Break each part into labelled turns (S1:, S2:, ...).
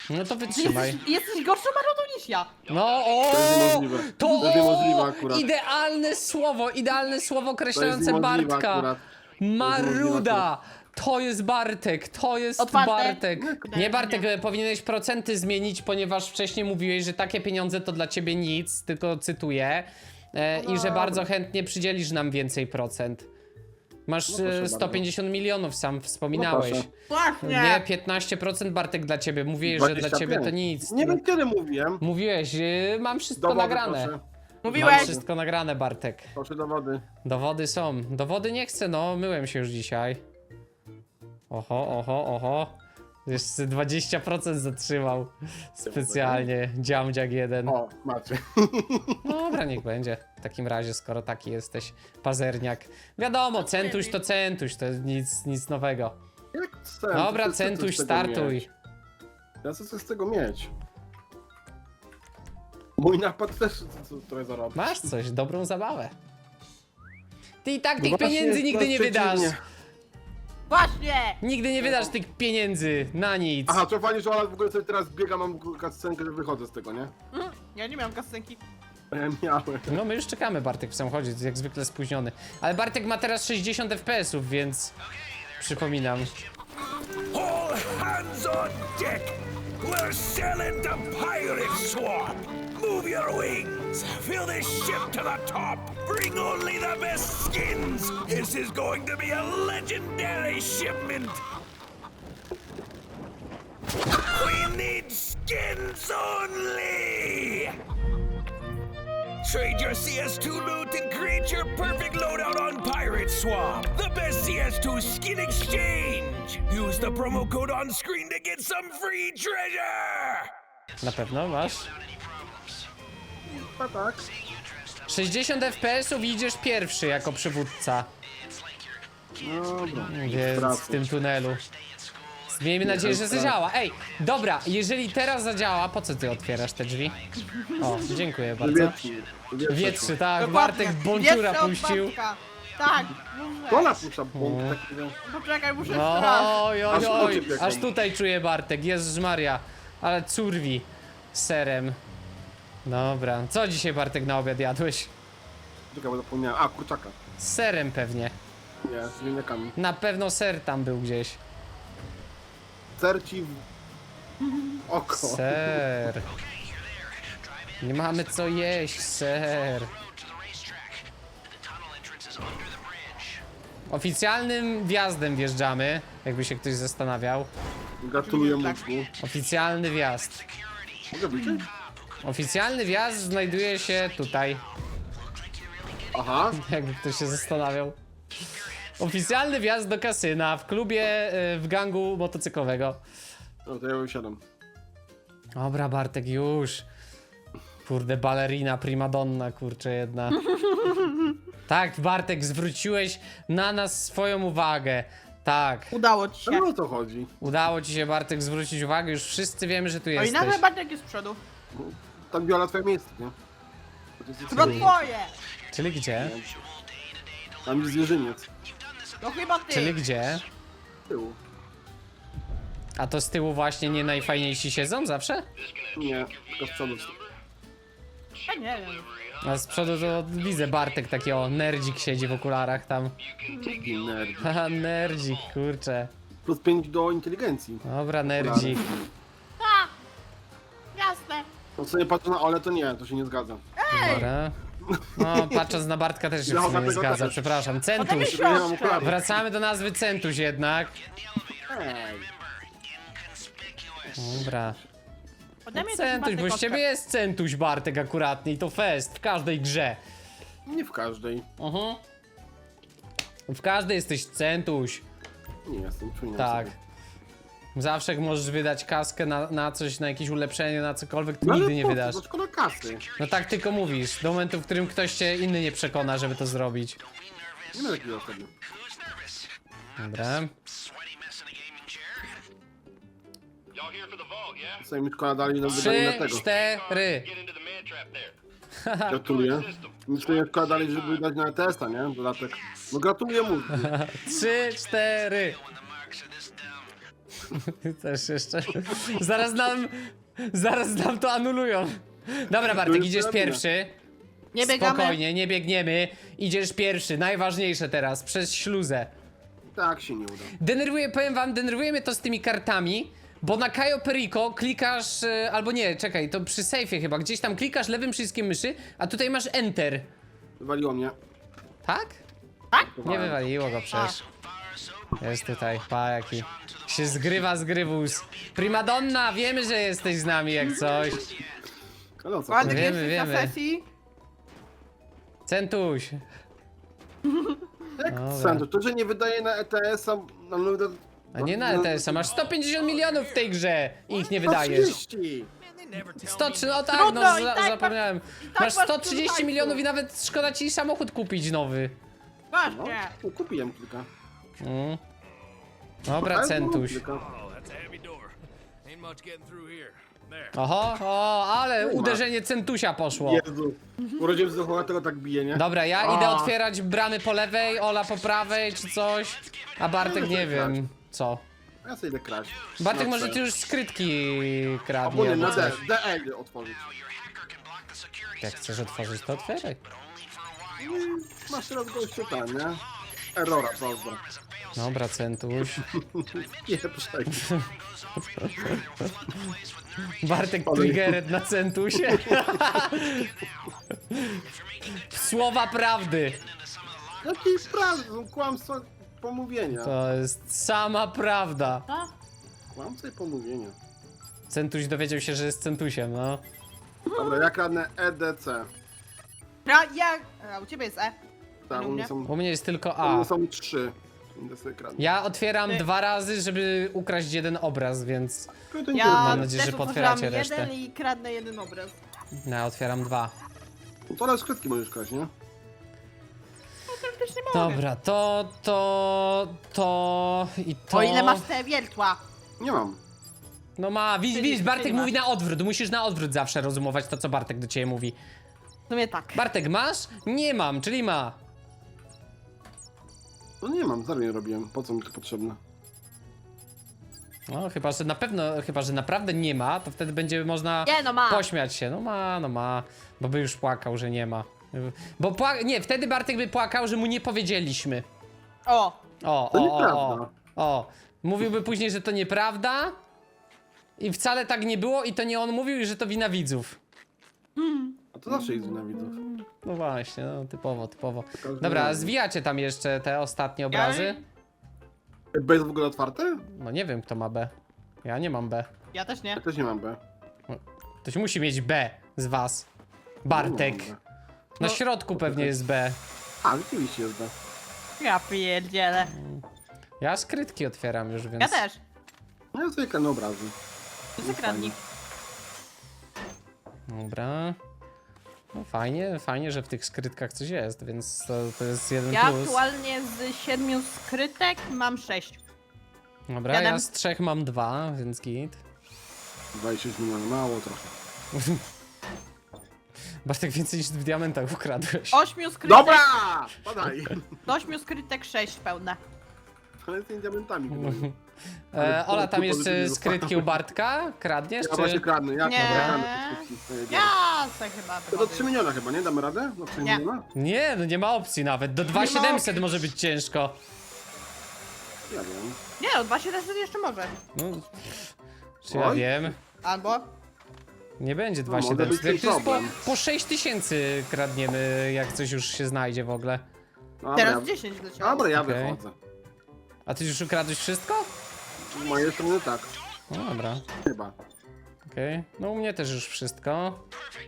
S1: No to wytrzymaj.
S2: Jesteś gorszą marodą niż ja.
S1: No o!
S3: To jest niemożliwe.
S1: To
S3: To jest niemożliwe akurat.
S1: idealne słowo określające
S3: niemożliwe
S1: Bartka.
S3: akurat.
S1: Maruda! To jest Bartek, to jest
S2: Otwarte?
S1: Bartek. Nie
S2: Nie.
S1: Bartek, powinieneś procenty zmienić, ponieważ wcześniej mówiłeś, że takie pieniądze to dla ciebie nic, tylko cytuję. I że bardzo chętnie przydzielisz nam więcej procent. Masz
S3: No proszę
S1: 150 milionów, sam wspominałeś.
S3: proszę.
S2: Właśnie.
S1: Nie, 15% Bartek dla ciebie. Mówiłeś, że dla
S3: 25.
S1: ciebie to nic.
S3: Nie wiem kiedy mówiłem.
S1: Mówiłeś, mam wszystko
S3: Dowody
S1: nagrane.
S3: proszę.
S1: Mam
S2: Mówiłeś.
S1: wszystko nagrane, Bartek.
S3: Proszę dowody.
S1: Dowody są. Dowody nie chcę, no. Myłem się już dzisiaj. Oho. Jeszcze 20% zatrzymał. Specjalnie. Dziamdziak jeden.
S3: O, macie.
S1: Dobra, niech będzie. W takim razie, skoro taki jesteś pazerniak. Wiadomo, centuś, to nic nowego.
S3: Jak chcę?
S1: Dobra,
S3: to chcę coś
S1: centuś,
S3: z tego
S1: startuj.
S3: mieć. Ja chcę coś z tego mieć. Mój napad też trochę zarobi.
S1: Masz coś, dobrą zabawę. Ty i tak tych
S3: No właśnie,
S1: pieniędzy nigdy nie wydasz.
S3: przeciwnie.
S2: Właśnie.
S1: Nigdy nie wydasz tych pieniędzy na nic.
S3: Aha, to fajnie, że Ola w ogóle sobie teraz biega, mam scenkę, że wychodzę z tego, nie?
S2: Ja nie miałem kasenki.
S3: A ja miałem.
S1: No my już czekamy, Bartek w samochodzie, jak zwykle spóźniony. Ale Bartek ma teraz 60 FPS-ów, więc przypominam.
S4: All hands on deck! We're sailing to Pirate Swamp! Move your wings! Fill this ship to the top! Bring only the best skins! This is going to be a legendary shipment! We need skins only! Trade your CS2 loot and create your perfect loadout on Pirate Swamp. The best CS2 skin exchange. Use the promo code on screen to get some free treasure.
S1: Na pewno masz?
S3: A tak.
S1: 60 FPS-ów i idziesz pierwszy jako przywódca.
S3: Dobra.
S1: Więc w tym tunelu. Miejmy nadzieję, że zadziała. Ej, dobra, jeżeli teraz zadziała, po co ty otwierasz te drzwi? O, dziękuję bardzo. Wietrzy, tak, Bartek Bączura
S2: Jeszcze od
S1: puścił.
S2: Bartka. Tak,
S3: To
S2: muszę.
S3: napuszcza bąk takiego.
S2: Poczekaj, muszę jeszcze raz.
S1: Oj,
S3: Aż oczy pieką.
S1: aż tutaj czuję Bartek, Jezus Maria. Ale curwi z serem. Dobra, co dzisiaj Bartek na obiad jadłeś?
S3: Czekaj, bo zapomniałem. A, kurczaka.
S1: Z serem pewnie.
S3: Nie, z ziemniakami.
S1: Na pewno ser tam był gdzieś.
S3: Serci w oko.
S1: Ser. Nie mamy co jeść, ser. Oficjalnym wjazdem wjeżdżamy, jakby się ktoś zastanawiał.
S3: Gratuluję mózgu.
S1: Oficjalny wjazd.
S3: Mogę wyjść?
S1: Oficjalny wjazd znajduje się tutaj,
S3: Aha.
S1: jakby ktoś się zastanawiał. Oficjalny wjazd do kasyna w klubie, w gangu motocyklowego.
S3: No to ja wysiadam.
S1: Dobra, Bartek, już. Kurde, balerina, primadonna, kurczę jedna. Tak, Bartek, zwróciłeś na nas swoją uwagę. Tak,
S2: Udało ci się.
S3: No o to chodzi.
S1: udało ci się, Bartek, zwrócić uwagę. Już wszyscy wiemy, że tu
S2: O i
S1: jesteś.
S2: nagle Bartek jest z przodu.
S3: Tam Viola twoje miejsce, nie? To jest
S2: Chyba twoje.
S1: Czyli gdzie?
S3: Tam jest zwierzyniec.
S2: To chyba ty.
S1: Czyli gdzie?
S3: Z tyłu.
S1: A to z tyłu właśnie nie najfajniejsi siedzą zawsze?
S3: Nie, tylko z przodu.
S2: Ja nie wiem.
S1: A z przodu to widzę Bartek taki o nerdzik siedzi w okularach tam.
S3: Taki nerd.
S1: Haha, nerdzik, kurczę.
S3: Plus 5 do inteligencji.
S1: Dobra, nerdzik.
S2: Tak. Jasne.
S3: No co nie patrzę na Ole, to nie, to się nie zgadza.
S1: Dobra. No, patrząc na Bartka też się w
S3: No,
S1: sumie nie
S3: dlatego
S1: zgadza,
S3: też.
S1: przepraszam.
S2: Potem
S1: Centuś.
S2: jest
S3: Nie mam
S2: książka.
S3: okularów.
S1: Wracamy do nazwy Centuś jednak.
S3: Ej.
S1: Dobra.
S2: Ode mnie to
S1: Centuś,
S2: chyba
S1: bo z
S2: tylko
S1: ciebie jest Centuś Bartek akuratnie i to fest w każdej grze.
S3: Nie w każdej.
S1: W każdej jesteś Centuś.
S3: Nie jestem, przypominam
S1: Tak.
S3: sobie.
S1: Zawsze jak możesz wydać kaskę na coś, na jakieś ulepszenie, na cokolwiek, to
S3: No ale
S1: nigdy nie
S3: po co?
S1: wydasz.
S3: To szkoda kasy.
S1: No tak tylko mówisz, do momentu, w którym ktoś cię inny nie przekona, żeby to zrobić.
S3: Nie ma takiego wtedy.
S1: Dobra.
S3: Sobie mi szkoda dali nam
S1: 3,
S3: wydanie na tego.
S1: 4.
S3: Gratuluję. Mi sobie szkoda dali, żeby dać na testa, nie? Dodatek. No gratuluję mózgu.
S1: 3, 4. Też jeszcze. Zaraz nam to anulują. Dobra, Bartek, idziesz pierwszy.
S2: Nie biegamy.
S1: Spokojnie, nie biegniemy. Idziesz pierwszy, najważniejsze teraz, przez śluzę.
S3: Tak się nie uda.
S1: Powiem wam, denerwuje mnie to z tymi kartami, bo na Cayo Perico klikasz, albo nie, czekaj, to przy sejfie chyba, gdzieś tam klikasz lewym przyciskiem myszy, a tutaj masz Enter.
S3: Wywaliło mnie.
S1: Tak?
S2: Tak?
S1: Nie wywaliło go przecież. Jest tutaj, pa jaki. Się zgrywa zgrywus. Primadonna, wiemy, że jesteś z nami jak coś.
S3: Ale o co?
S2: Ładnie
S1: Wiemy,
S2: jesteś na
S1: wiemy.
S2: sesji.
S1: Centuś.
S3: Jak
S1: Dobra.
S3: sędzio, to, że nie wydaje na ETS-a...
S1: A nie na ETS-a, masz 150 milionów w tej grze i ich nie wydajesz.
S3: 130.
S1: 103, no tak,
S2: Trudno,
S1: no
S2: i tak
S1: zapomniałem.
S2: tak
S1: Masz
S2: masz
S1: 130
S2: dużo
S1: milionów
S2: hajsu.
S1: i nawet szkoda ci samochód kupić nowy.
S3: No,
S2: Właśnie.
S3: kupiłem kilka.
S1: Mm. Dobra,
S3: Ale
S1: Centuś.
S3: kilka.
S4: Oh, that's a heavy door. Ain't much getting through here. There.
S1: Oho, o, ale uderzenie Centusia poszło.
S3: Jezu. Urodziłem z tego tak bije, nie?
S1: Dobra, ja idę otwierać bramy po lewej, Ola po prawej czy coś. A Bartek nie wiem co.
S3: Ja sobie idę kraść.
S1: Bartek
S3: No,
S1: może
S3: co?
S1: ty już skrytki
S3: Albo
S1: kradnie
S3: nie,
S1: albo
S3: na D.
S1: coś.
S3: DE idę otworzyć.
S1: Jak chcesz otworzyć, to otwieraj.
S3: Masz teraz gościu tam, nie? Errora, prawda?
S1: Dobra, Centuś.
S3: Nie, przejdę.
S1: Bartek triggered na Centusie. Słowa prawdy.
S3: Jakie prawdy, są kłamstwa pomówienia.
S1: To jest sama prawda.
S2: A?
S3: Kłamstwa i pomówienia.
S1: Centuś dowiedział się, że jest Centusiem, no.
S3: Dobra, ja kradnę EDC.
S2: A u ciebie jest E.
S3: Tak, u mnie są,
S1: U mnie jest tylko
S3: u mnie
S1: A.
S3: są 3. Idę sobie kradnę.
S1: Ja otwieram
S2: Ty.
S1: 2 razy, żeby ukraść jeden obraz, więc
S3: Tylko to nie
S2: Ja
S1: Mam nadzieję,
S2: też
S1: że
S2: otworzyłam
S1: potwieracie resztę.
S2: jeden i kradnę jeden obraz.
S1: no, ja otwieram 2.
S3: No to ale skrytki możesz kraść, nie?
S2: Też nie mogę.
S1: Dobra, to i to.
S2: O ile masz te wiertła.
S3: Nie mam.
S1: No ma, widzisz,
S2: Czyli
S1: Bartek
S2: masz.
S1: mówi na odwrót, musisz na odwrót zawsze rozumować to, co Bartek do ciebie mówi.
S2: W sumie tak.
S1: Bartek, masz? Nie mam, czyli ma.
S3: No nie mam, zaraz nie robiłem. Po co mi to potrzebne?
S1: No, chyba, że naprawdę nie ma, to wtedy będzie można
S2: Nie, no ma.
S1: pośmiać się. No ma, bo by już płakał, że nie ma. Bo nie, wtedy Bartek by płakał, że mu nie powiedzieliśmy.
S2: O.
S3: To nieprawda.
S1: O. Mówiłby później, że to nieprawda i wcale tak nie było i to nie on mówił i że to wina widzów.
S3: A to zawsze jest wina widzów.
S1: No właśnie, no typowo.
S3: Każdy
S1: Dobra,
S3: razem.
S1: zwijacie tam jeszcze te ostatnie obrazy?
S3: B jest w ogóle otwarte?
S1: No nie wiem, kto ma B. Ja nie mam B.
S2: Ja też nie.
S3: Ja też nie mam B.
S1: Ktoś musi mieć B z was. Bartek.
S3: Nie mam B.
S1: Na
S2: No.
S1: środku pewnie jest B.
S3: A, rzeczywiście jest B.
S2: Ja pierdzielę.
S1: Ja skrytki otwieram już, więc...
S2: Ja też.
S3: No ja sobie kradnę obrazy.
S2: To jest kradnik.
S1: Dobra. No fajnie, że w tych skrytkach coś jest, więc to jest jeden
S2: Ja
S1: plus.
S2: aktualnie z 7 skrytek mam 6.
S1: Dobra, ja
S2: Siedem.
S1: z 3 mam 2, więc git.
S3: 26 milionów, mało trochę.
S1: Bartek więcej niż w diamentach ukradłeś.
S2: 8 skrytek.
S3: Dobra! Padaj!
S2: Z 8 skrytek 6 pełne.
S3: Ale z tymi diamentami chyba.
S1: Ola, tam
S3: to
S1: jeszcze
S3: pozytywnie
S1: skrytki u Bartka? Kradniesz,
S3: Ja właśnie
S1: czy...
S3: kradnę, ja
S2: Nie.
S3: kradnę te skrytki.
S2: Ja se chyba
S3: To do 3 miliona chyba, nie? Damy radę? Do 3
S2: Nie.
S3: miliona?
S1: Nie, no nie ma opcji nawet. Do 2700 może być ciężko.
S3: Ja wiem.
S2: Nie no, 2700 jeszcze może.
S1: No, czy ja
S3: Oj.
S1: wiem?
S2: Albo.
S1: Nie będzie
S3: No, może
S1: 2700.
S3: być
S1: To jest
S3: problem.
S1: po 6000 kradniemy, jak coś już się znajdzie w ogóle.
S3: Dobra,
S2: Teraz 10 leciało.
S3: Dobra, ja
S1: Okej.
S3: wychodzę.
S1: A ty już ukradłeś wszystko?
S3: Z mojej strony tak.
S1: No dobra,
S3: Chyba.
S1: okej. No u mnie też już wszystko.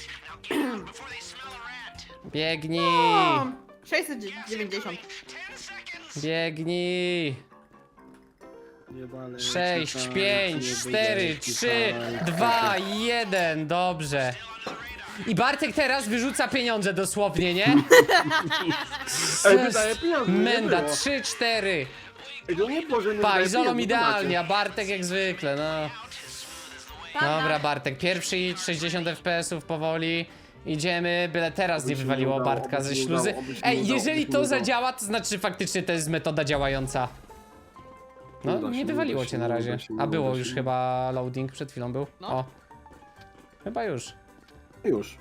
S1: Biegnij!
S2: O, 690.
S1: Biegnij!
S3: Nie walę,
S1: 6,
S3: czytaj,
S1: 5,
S3: nie
S1: 4,
S3: wyjdę,
S1: 3,
S3: czytaj.
S1: 2, 1, dobrze. I Bartek teraz wyrzuca pieniądze dosłownie, nie?
S3: Ej, wydaje pieniądze, nie
S1: Menda,
S3: było.
S1: 3, 4.
S3: Ej, to nie było, że nie
S1: Pa,
S3: wydaje
S1: izolą
S3: pieniędzy,
S1: idealnie, a Bartek jak zwykle, no. Dobra, Bartek, pierwszy hit, 60 FPS-ów powoli. Idziemy, byle teraz
S3: Oby
S1: nie
S3: się
S1: wywaliło
S3: nie udało,
S1: Bartka
S3: oby
S1: ze
S3: się nie
S1: śluzy.
S3: udało, oby się nie
S1: Ej,
S3: udało,
S1: jeżeli
S3: oby się
S1: to
S3: nie udało.
S1: zadziała, to znaczy faktycznie to jest metoda działająca. No,
S3: da się,
S1: nie wywaliło
S3: da się,
S1: cię na
S3: nie da
S1: razie.
S3: się, nie
S1: A
S3: da
S1: było
S3: się.
S1: już chyba loading, przed chwilą był.
S2: No.
S1: O. Chyba już.
S3: Już.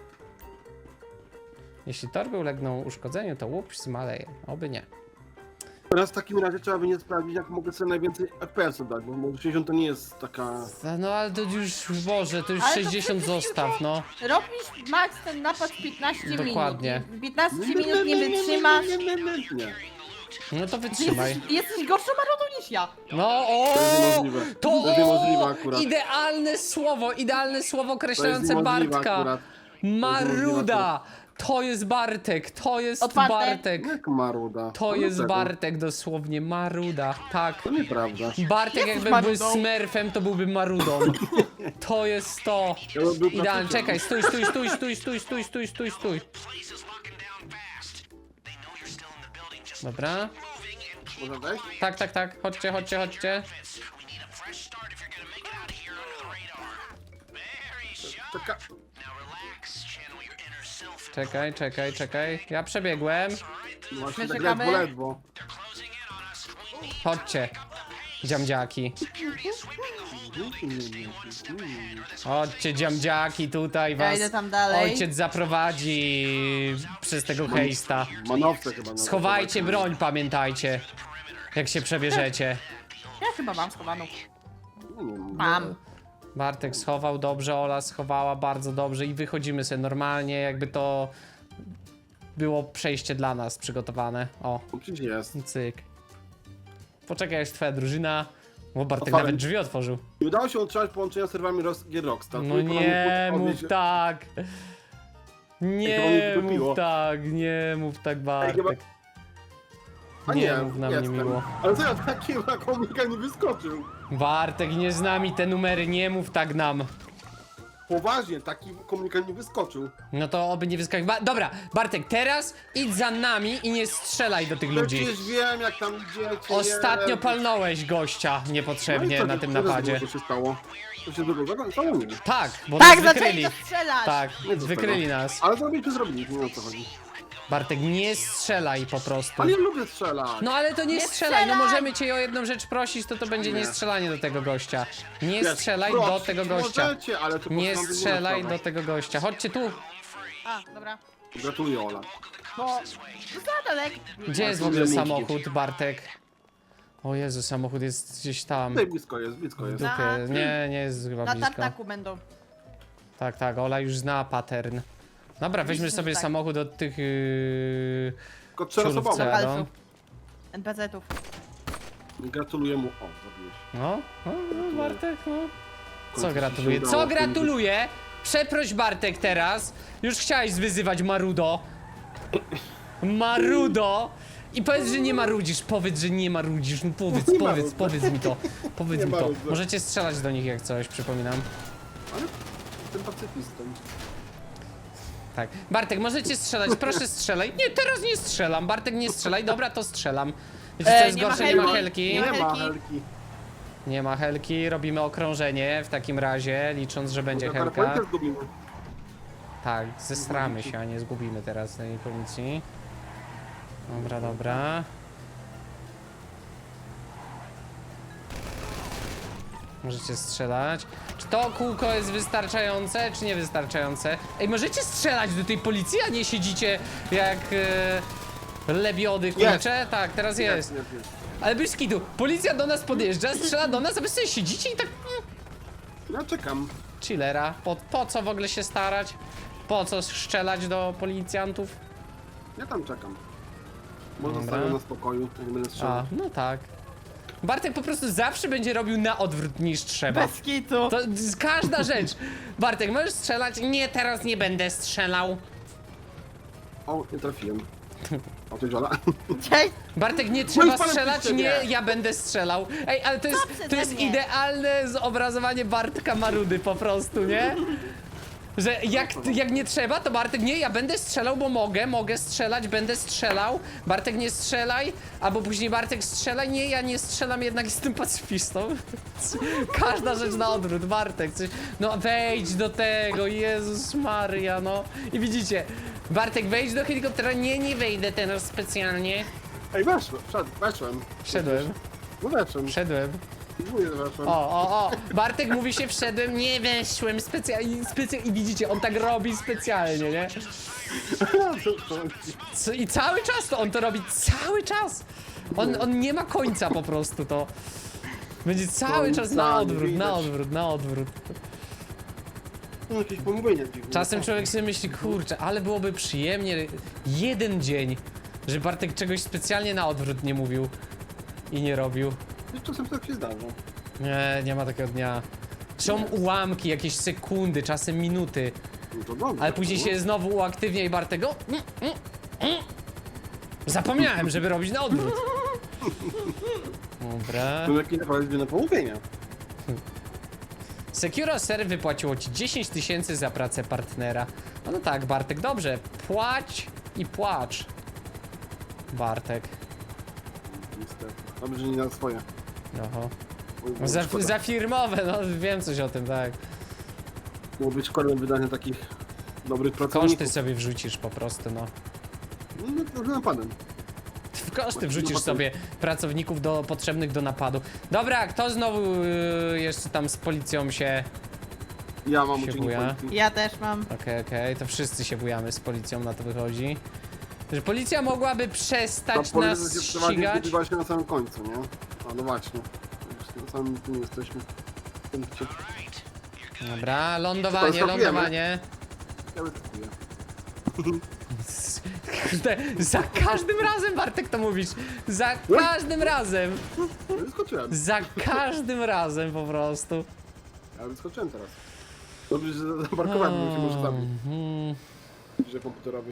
S1: Jeśli torby ulegną uszkodzeniu, to łup zmaleje. Oby nie.
S3: Teraz w takim razie trzeba będzie sprawdzić, jak mogę sobie najwięcej FPS-ów dać, bo 60 to nie jest taka...
S1: No ale to już, Boże, to już
S2: Ale to
S1: 60
S2: przecież
S1: zostaw, no.
S2: Robisz max ten napad w 15
S1: Dokładnie.
S2: minut. 15 minut nie wytrzymasz.
S3: Nie.
S1: No to wytrzymaj.
S2: Jesteś gorszą marodą niż ja.
S1: No o!
S3: To jest niemożliwe.
S1: To
S3: To jest niemożliwe akurat.
S1: idealne słowo określające
S3: niemożliwe
S1: Bartka.
S3: akurat.
S1: Maruda! To jest Bartek, to jest
S2: Otwarte.
S1: Bartek.
S3: Jak maruda.
S1: To
S3: No
S1: jest
S3: tego.
S1: Bartek dosłownie, Maruda, tak.
S3: To nieprawda.
S1: Bartek jakby był
S2: Marudą.
S1: Smurfem, to byłby Marudą. To jest to.
S3: Ja bym był
S1: Idealnie,
S3: praktykiem.
S1: czekaj, stój. Dobra.
S3: Można wejść?
S1: Tak, chodźcie. Czekaj. Ja przebiegłem.
S3: No właśnie
S2: My
S3: tak
S2: czekamy.
S3: ledwo.
S1: Chodźcie. Dziamdziaki. Chodźcie, dziamdziaki, tutaj
S2: Ja
S1: was
S2: idę tam dalej.
S1: ojciec zaprowadzi przez tego hejsta.
S3: Manowce chyba. no.
S1: Schowajcie broń, pamiętajcie. Jak się przebierzecie.
S2: Ja chyba mam schowaną.
S3: Nie wiem.
S2: Mam.
S1: Bartek schował dobrze, Ola schowała bardzo dobrze i wychodzimy sobie normalnie, jakby to było przejście dla nas przygotowane. O,
S3: No przecież jest.
S1: cyk. Poczekaj, aż twoja drużyna... O, Bartek
S3: Otwarłem.
S1: nawet drzwi otworzył.
S3: Nie udało się utrzymać połączenia z serwerami Gier Rockstar.
S1: No
S3: Tylko
S1: nie
S3: nam
S1: mów tak. Nie
S3: mnie
S1: mów
S3: wydupiło.
S1: tak, nie mów tak, Bartek.
S3: A
S1: Nie
S3: nie,
S1: mów na mnie
S3: jestem.
S1: miło.
S3: Ale co ja takiego komika nie wyskoczył?
S1: Bartek, nie z nami te numery, nie mów tak nam.
S3: Poważnie, taki komunikat nie wyskoczył.
S1: No to oby nie wyskakiwał. Dobra, Bartek, teraz idź za nami i nie strzelaj do tych
S3: No
S1: ludzi.
S3: przecież wiem, jak tam idziecie.
S1: Ostatnio
S3: nie.
S1: palnąłeś gościa
S3: No i
S1: niepotrzebnie
S3: co,
S1: na
S3: co
S1: tym
S3: się
S1: napadzie.
S3: złego się stało? Co się złego stało? Nie.
S1: Tak, bo
S2: Tak,
S1: nas
S2: zaczęli
S1: wykryli.
S2: to strzelać.
S1: Tak,
S3: Nie do
S1: wykryli
S3: tego.
S1: nas.
S3: Ale zrobiliśmy, nie wiem o co chodzi.
S1: Bartek, nie strzelaj po prostu.
S3: Ale ja lubię strzelać.
S1: No ale to nie
S2: Nie
S1: strzelaj, no
S2: strzelaj!
S1: możemy cię o jedną rzecz prosić, to będzie
S3: Nie.
S1: nie strzelanie do tego gościa. Nie
S3: Wiesz,
S1: strzelaj
S3: prosić
S1: do tego gościa.
S3: Możecie, ale to
S1: Nie
S3: postawię
S1: strzelaj
S3: na
S1: do tego gościa. Chodźcie tu.
S2: A, dobra.
S3: Gratuluję, Ola.
S2: Bo... To za daleko.
S1: Gdzie jest w ogóle
S3: Nie
S1: samochód, Bartek? O Jezu, samochód jest gdzieś tam.
S3: Tutaj blisko jest, blisko jest.
S1: Dupie. Nie jest chyba
S2: Na
S1: blisko.
S2: tartaku będą.
S1: Tak, Ola już zna pattern. Dobra, weźmy
S2: Oczywiście,
S1: sobie
S2: że tak.
S1: samochód od tych
S3: Tylko czteroosobowe.
S1: ciurówce, no.
S2: Lokalsów. NPC-ów.
S3: Gratuluję mu. O, zabiłeś.
S1: No, Bartek, no.
S3: końcu
S1: Co
S3: się
S1: gratuluję?
S3: udało
S1: Co
S3: w tym-
S1: gratuluję? Przeproś Bartek teraz. Już chciałeś wyzywać Marudo. Marudo! I powiedz, że nie marudzisz, powiedz, że nie marudzisz, no
S3: Nie
S1: powiedz
S3: marudzę.
S1: mi to, powiedz
S3: Nie
S1: mi to.
S3: marudzę.
S1: Możecie strzelać do nich jak coś, przypominam.
S3: Ale jestem pacyfistą.
S1: Tak. Bartek, możecie strzelać, proszę strzelaj. Nie, teraz nie strzelam, Bartek nie strzelaj, dobra, to strzelam. Wiecie co jest
S2: nie ma
S1: gorsze, nie ma
S2: helki.
S1: helki.
S3: Nie ma
S2: Helki.
S3: helki.
S1: Nie ma helki, robimy okrążenie w takim razie, licząc, że będzie
S3: Może
S1: helka.
S3: telefonik też zgubimy.
S1: Tak, zestramy się, a nie zgubimy teraz tej policji. Dobra. Możecie strzelać. Czy to kółko jest wystarczające, czy niewystarczające? Ej, możecie strzelać do tej policji, a nie siedzicie jak lebiody kurcze? Tak, teraz jest.
S3: Jest.
S1: Ale bez kitu, policja do nas podjeżdża, strzela do nas, a wy sobie siedzicie i tak...
S3: Ja czekam.
S1: Chillera. Po co w ogóle się starać? Po co strzelać do policjantów?
S3: Ja tam czekam. Może
S1: Dobra.
S3: zostawię na spokoju, jak nie będę
S1: A,
S3: strzelał.
S1: no tak. Bartek po prostu zawsze będzie robił na odwrót niż trzeba.
S2: Bez kitu.
S1: To każda rzecz. Bartek, możesz strzelać? Nie, teraz nie będę strzelał.
S3: O, nie trafiłem. O, ty Jola.
S2: Cześć.
S1: Bartek, nie
S3: No
S1: trzeba
S3: i panem
S1: strzelać?
S3: piszcie,
S1: Nie,
S3: nie.
S1: ja będę strzelał. Ej, ale to
S2: przeze
S1: jest
S2: mnie.
S1: idealne zobrazowanie Bartka Marudy po prostu, nie? Że jak nie trzeba, to Bartek, nie, ja będę strzelał, bo mogę strzelać, będę strzelał. Bartek, nie strzelaj, albo później Bartek strzelaj, nie, ja nie strzelam, jednak jestem pacyfistą. Każda rzecz na odwrót, Bartek, coś, no wejdź do tego, Jezus Maria, no. I widzicie, Bartek, wejdź do helikoptera, nie wejdę teraz specjalnie.
S3: Ej, weszłem. Weszłem.
S1: Szedłem.
S3: No weszłem.
S1: Wszedłem.
S3: Dziękuję, weszłem.
S1: O. Bartek mówi się wszedłem, nie weszłem specjalnie. I widzicie, on tak robi specjalnie, nie? I cały czas to on to robi, cały czas. On nie ma końca po prostu, to. Będzie cały czas na
S3: Końca nie
S1: odwrót, na
S3: widać.
S1: odwrót, na odwrót.
S3: No, jakieś pomówienie dziwne.
S1: Czasem człowiek sobie myśli, kurczę, ale byłoby przyjemnie jeden dzień, że Bartek czegoś specjalnie na odwrót nie mówił i nie robił.
S3: Czasem tak się zdarza.
S1: Nie ma takiego dnia. Są ułamki, jakieś sekundy, czasem minuty,
S3: No to dobrze.
S1: ale później się znowu uaktywnia i Bartek go... Zapomniałem, żeby robić na odwrót. Dobra.
S3: To jakieś naprawdę na pomówienia.
S1: Securoser wypłaciło ci 10 000 za pracę partnera. No tak, Bartek, dobrze. Płać i płacz. Bartek.
S3: Niestety. Dobrze, że nie na swoje.
S1: Oho.
S3: Bo szkoda.
S1: Za firmowe, no wiem coś o tym, tak.
S3: Było być szkolnym wydania takich dobrych pracowników.
S1: Koszty sobie wrzucisz po prostu, no.
S3: No, trochę napadem.
S1: W koszty wrzucisz sobie pracowników potrzebnych do napadu. Dobra, kto znowu jeszcze tam z policją się
S3: Ja mam
S1: Się
S3: uczynnik
S1: buja.
S3: policji.
S2: Ja też mam.
S1: Okej, to wszyscy się bujamy z policją, na to wychodzi. Że policja mogłaby
S3: Ta
S1: przestać
S3: policja
S1: nas
S3: się prowadzi
S1: ścigać.
S3: właśnie na samym końcu, nie? A no właśnie. Już na samym tu jesteśmy. W punkcie.
S1: Dobra, lądowanie,
S3: Skakujemy.
S1: lądowanie.
S3: Ja wyskakuję.
S1: Kurde, za każdym razem, Bartek, to mówisz. Za każdym razem.
S3: No wyskoczyłem.
S1: Za każdym razem po prostu.
S3: Ja wyskoczyłem teraz. Dobrze, że zaparkowałem, bo się może zabić. Że komputerowi.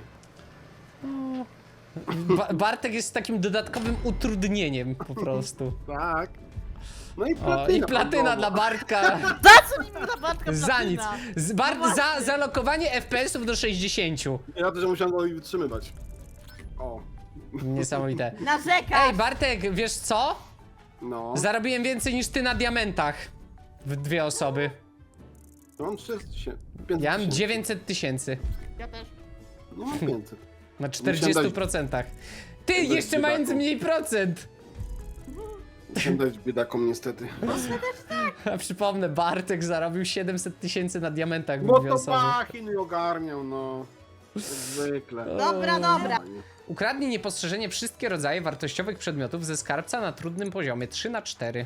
S1: Bartek jest takim dodatkowym utrudnieniem po prostu.
S3: Tak. No i
S1: O,
S3: platyna.
S1: i platyna dla Bartka.
S2: Za co mi ta Bartka
S1: Za nic.
S2: platyna?
S1: Za zalokowanie FPS-ów do 60.
S3: Ja też musiałem go wytrzymywać. O.
S1: Niesamowite.
S2: Narzekasz!
S1: Ej, Bartek, wiesz co?
S3: No.
S1: Zarobiłem więcej niż ty na diamentach. W dwie osoby.
S3: No mam 4000. 500
S1: Ja mam
S3: tysięcy.
S1: 900 000
S2: Ja też.
S3: No mam 500.
S1: na
S3: Musiałem
S1: 40%. Ty,
S3: dać
S1: jeszcze mając
S3: biedakom.
S1: mniej procent.
S3: Musiałem dać biedakom niestety.
S1: A przypomnę, Bartek zarobił 700 000 na diamentach w
S3: No
S1: dwie
S3: to
S1: osoby.
S3: Bachin i ogarniał, no. Jak zwykle.
S2: Dobra, dobra.
S1: Ukradnij niepostrzeżenie wszystkie rodzaje wartościowych przedmiotów ze skarbca na trudnym poziomie 3×4.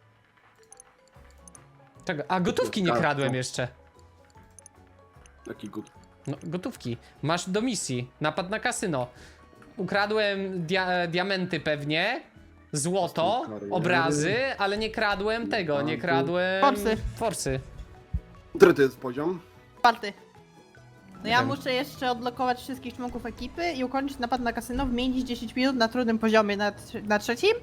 S1: Czego? A gotówki nie
S3: Skarbca.
S1: kradłem jeszcze.
S3: Taki gut.
S1: No, gotówki. Masz do misji. Napad na kasyno. Ukradłem diamenty pewnie. Złoto,
S3: Kariery.
S1: obrazy, ale nie kradłem tego, nie kradłem...
S2: Forsy.
S1: Forsy.
S3: Który to jest poziom?
S2: Czwarty. No ja
S1: wiem.
S2: muszę jeszcze odblokować wszystkich członków ekipy i ukończyć napad na kasyno w mniej niż 10 minut na trudnym poziomie na trzecim.